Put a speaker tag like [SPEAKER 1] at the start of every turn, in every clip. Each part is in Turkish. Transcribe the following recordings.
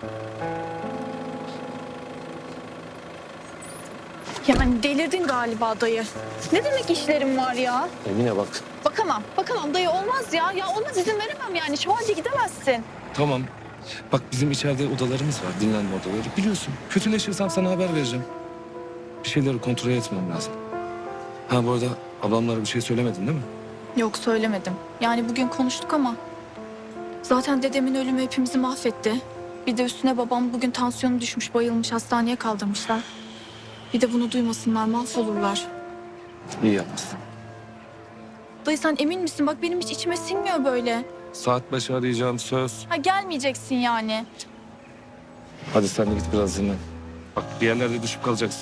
[SPEAKER 1] Yani delirdin galiba dayı. Ne demek işlerim var ya?
[SPEAKER 2] Emine bak.
[SPEAKER 1] Bakamam dayı, olmaz ya. Ya olmaz, izin veremem yani. Şu halde gidemezsin.
[SPEAKER 2] Tamam. Bak bizim içeride odalarımız var. Dinlenme odaları. Biliyorsun. Kötüleşirsem sana haber vereceğim. Bir şeyleri kontrol etmem lazım. Ha bu arada ablamlara bir şey söylemedin değil mi?
[SPEAKER 1] Yok, söylemedim. Yani bugün konuştuk ama zaten dedemin ölümü hepimizi mahvetti. Bir de üstüne babam bugün tansiyonu düşmüş, bayılmış, hastaneye kaldırmışlar. Bir de bunu duymasınlar, mahvolurlar.
[SPEAKER 2] İyi yapmışsın.
[SPEAKER 1] Dayı sen emin misin? Bak benim hiç içime sinmiyor böyle.
[SPEAKER 2] Saat başı arayacağım söz.
[SPEAKER 1] Ha, gelmeyeceksin yani.
[SPEAKER 2] Hadi sen de git biraz dinlen. Bak bir yerlerde düşüp kalacaksın.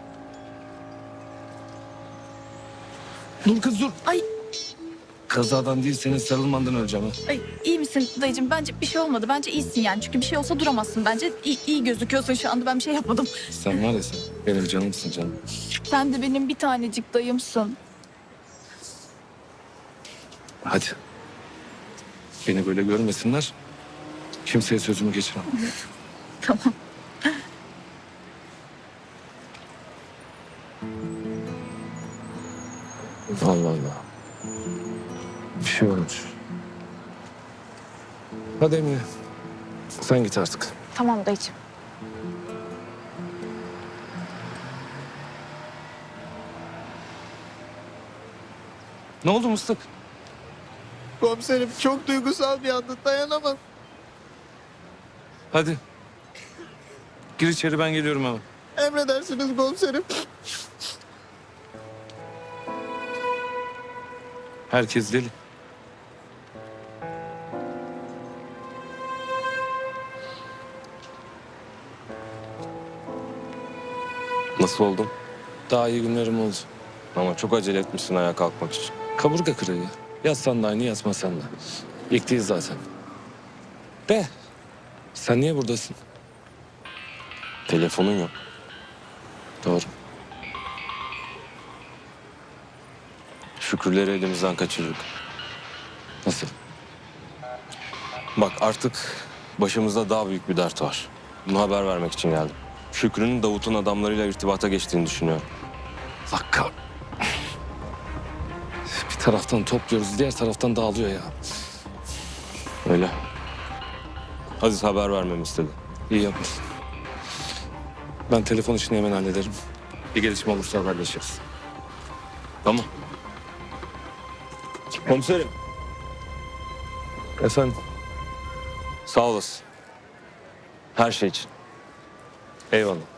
[SPEAKER 2] Dur kız dur.
[SPEAKER 1] Ay,
[SPEAKER 2] Kazadan değil senin sarılmandan öleceğim ha.
[SPEAKER 1] ay iyi misin dayıcığım? Bence bir şey olmadı. Bence iyisin yani. Çünkü bir şey olsa duramazsın. Bence iyi gözüküyorsun şu anda. Ben bir şey yapmadım.
[SPEAKER 2] Sen var ya sen benim canımsın canım.
[SPEAKER 1] Sen de benim bir tanecik dayımsın.
[SPEAKER 2] Hadi. Beni böyle görmesinler. Kimseye sözümü geçiremem.
[SPEAKER 1] Tamam.
[SPEAKER 2] Allah Allah. Bir şey olmuş. Hadi Emine. Sen git artık.
[SPEAKER 1] Tamam dayıcığım.
[SPEAKER 2] Ne oldu Mıstık?
[SPEAKER 3] Komiserim çok duygusal bir anda, dayanamam.
[SPEAKER 2] Hadi. Gir içeri ben geliyorum hemen.
[SPEAKER 3] Emredersiniz komiserim.
[SPEAKER 2] Herkes deli.
[SPEAKER 4] Nasıl oldun?
[SPEAKER 2] Daha iyi günlerim oldu.
[SPEAKER 4] Ama çok acele etmişsin ayağa kalkmak için.
[SPEAKER 2] Kaburga kırığı. Yatsan da aynı yatmasan da. İlk değil zaten. De. Sen niye buradasın?
[SPEAKER 4] Telefonun yok.
[SPEAKER 2] Doğru.
[SPEAKER 4] Şükrüleri elimizden kaçırdık.
[SPEAKER 2] Nasıl?
[SPEAKER 4] Bak artık başımızda daha büyük bir dert var. Bunu haber vermek için geldim. Şükrü'nün Davut'un adamlarıyla irtibata geçtiğini düşünüyorum.
[SPEAKER 2] Lakka. Bir taraftan topluyoruz, diğer taraftan dağılıyor ya.
[SPEAKER 4] Öyle. Aziz haber vermemi istedi.
[SPEAKER 2] İyi yapmışsın. Ben telefon işini hemen hallederim. Bir gelişme olursa haberleşiriz.
[SPEAKER 4] Tamam. Komiserim.
[SPEAKER 2] Efendim?
[SPEAKER 4] Sağ olasın. Her şey için.
[SPEAKER 2] Eyvallah.